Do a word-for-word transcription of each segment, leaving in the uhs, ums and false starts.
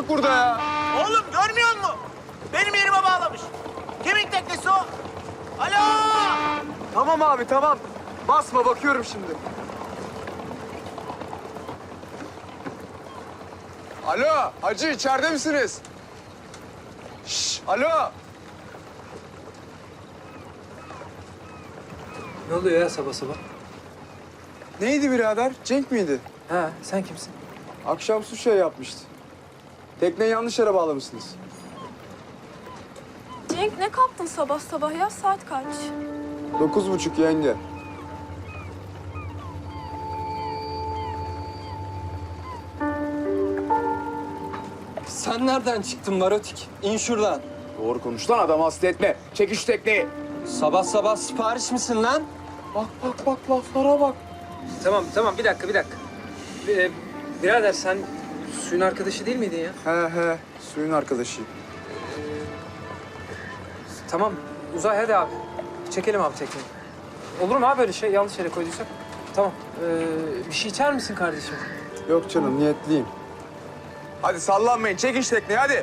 burada ya. Oğlum görmüyor musun? Benim yerime bağlamış. Kimin teknesi o? Alo! Tamam abi tamam. Basma bakıyorum şimdi. Alo hacı içeride misiniz? Şş, alo. Ne oluyor ya sabah sabah? Neydi birader? Cenk miydi? Ha, sen kimsin? Akşam su şey yapmıştı. Tekneyi yanlış yere bağlamışsınız. Cenk ne kalktın sabah sabah ya? Saat kaç? Dokuz buçuk yenge. Sen nereden çıktın Marotik? İn şuradan. Doğru konuş lan, adamı hasta etme. Çek şu tekneyi. Sabah sabah sipariş misin lan? Bak bak bak laflara bak. Tamam tamam bir dakika bir dakika. Ee, birader sen suyun arkadaşı değil miydin ya? He he suyun arkadaşıyım. Tamam Uzay hadi abi. Çekelim abi tekneyi. Olur mu abi böyle şey yanlış yere koyduysak? Tamam. Ee, bir şey içer misin kardeşim? Yok canım niyetliyim. Hadi sallanmayın, çekin şu tekneyi hadi.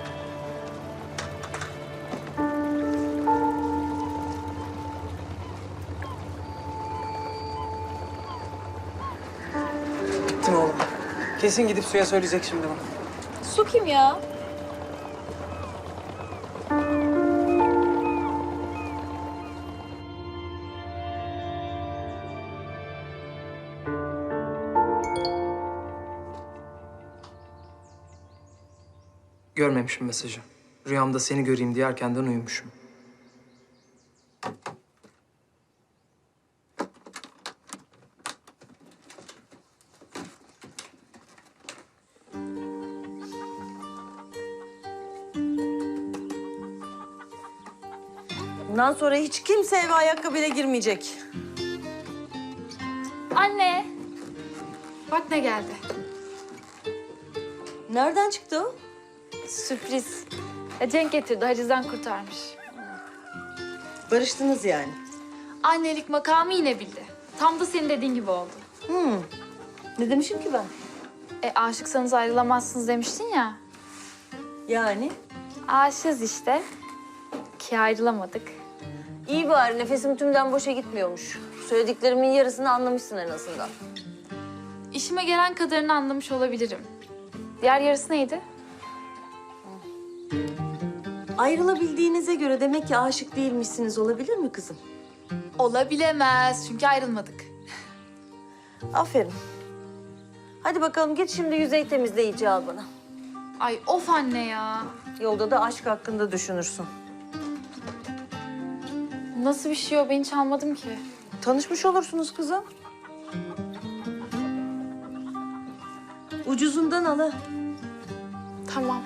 Bittim oğlum. Kesin gidip suya söyleyecek şimdi bana. Su kim ya? Görmemişim mesajı. Rüyamda seni göreyim diye erkenden uyumuşum. Bundan sonra hiç kimse eve ayakkabıyla girmeyecek. Anne. Bak ne geldi. Nereden çıktı o? Sürpriz. Ya Cenk getirdi, hacizden kurtarmış. Barıştınız yani. Annelik makamı yine bildi. Tam da senin dediğin gibi oldu. Hmm. Ne demişim ki ben? E aşıksanız ayrılamazsınız demiştin ya. Yani? Aşığız işte. Ki ayrılamadık. İyi bari nefesim tümden boşa gitmiyormuş. Söylediklerimin yarısını anlamışsın en azından. İşime gelen kadarını anlamış olabilirim. Diğer yarısı neydi? Ayrılabildiğinize göre demek ki aşık değilmişsiniz, olabilir mi kızım? Olabilemez çünkü ayrılmadık. Aferin. Hadi bakalım git şimdi yüzey temizleyici al bana. Ay of anne ya. Yolda da aşk hakkında düşünürsün. Nasıl bir şey o? Ben hiç almadım ki. Tanışmış olursunuz kızım. Ucuzundan al ha. Tamam.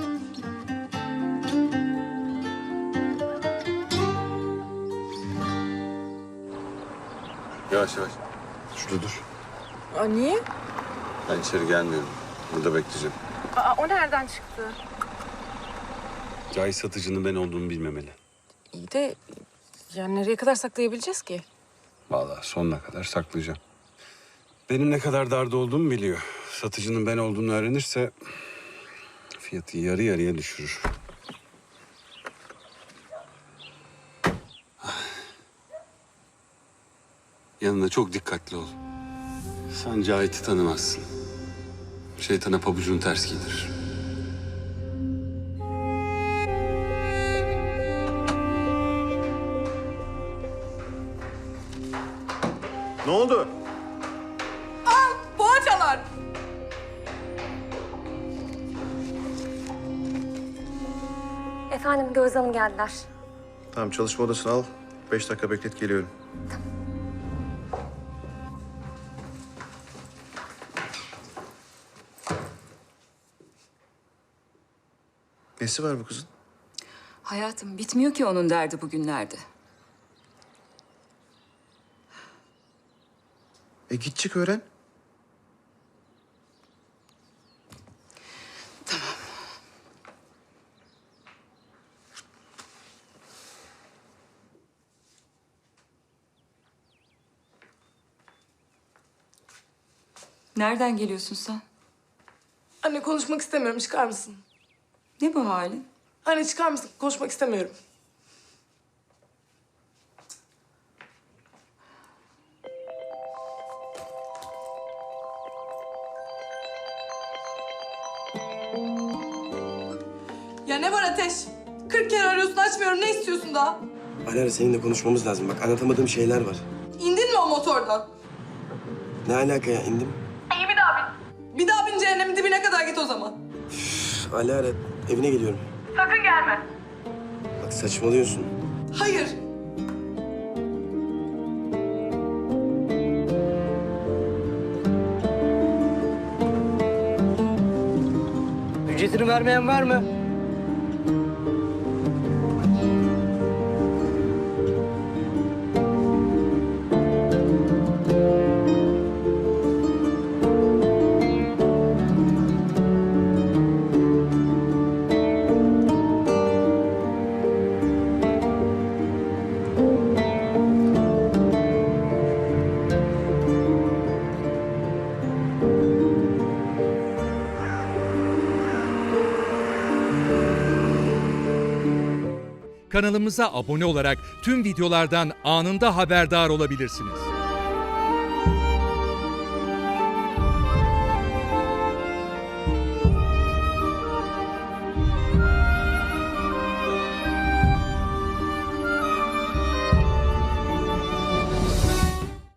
Yavaş yavaş. Şurada dur. Aa, niye? Ben içeri gelmiyorum. Burada bekleyeceğim. Aa, o nereden çıktı? Cahit satıcının ben olduğumu bilmemeli. İyi de yani nereye kadar saklayabileceğiz ki? Vallahi sonuna kadar saklayacağım. Benim ne kadar darda olduğumu biliyor. Satıcının ben olduğunu öğrenirse fiyatı yarı yarıya düşürür. Yanında çok dikkatli ol. Sen Cahit'i tanımazsın. Şeytana pabucunu ters giydirir. Ne oldu? Poğaçalar! Efendim Gözde Hanım geldiler. Tamam, çalışma odasını al. Beş dakika beklet, geliyorum. Nesi var bu kızın? Hayatım bitmiyor ki onun derdi bugünlerde. E git çık öğren. Tamam. Nereden geliyorsun sen? Anne konuşmak istemiyorum. Çıkar mısın? Ne bu halin? Anne çıkar mısın? Konuşmak istemiyorum. Ya ne var Ateş? Kırk kere arıyorsun açmıyorum. Ne istiyorsun daha? Alara seninle konuşmamız lazım. Bak anlatamadığım şeyler var. İndin mi o motordan? Ne alaka ya indim? İyi bir daha bin. Bir daha bin cehennemin dibine kadar git o zaman. Üf, Alara evine geliyorum. Sakın gelme. Bak saçmalıyorsun. Hayır. Ücretini vermeyen var mı? Kanalımıza abone olarak tüm videolardan anında haberdar olabilirsiniz.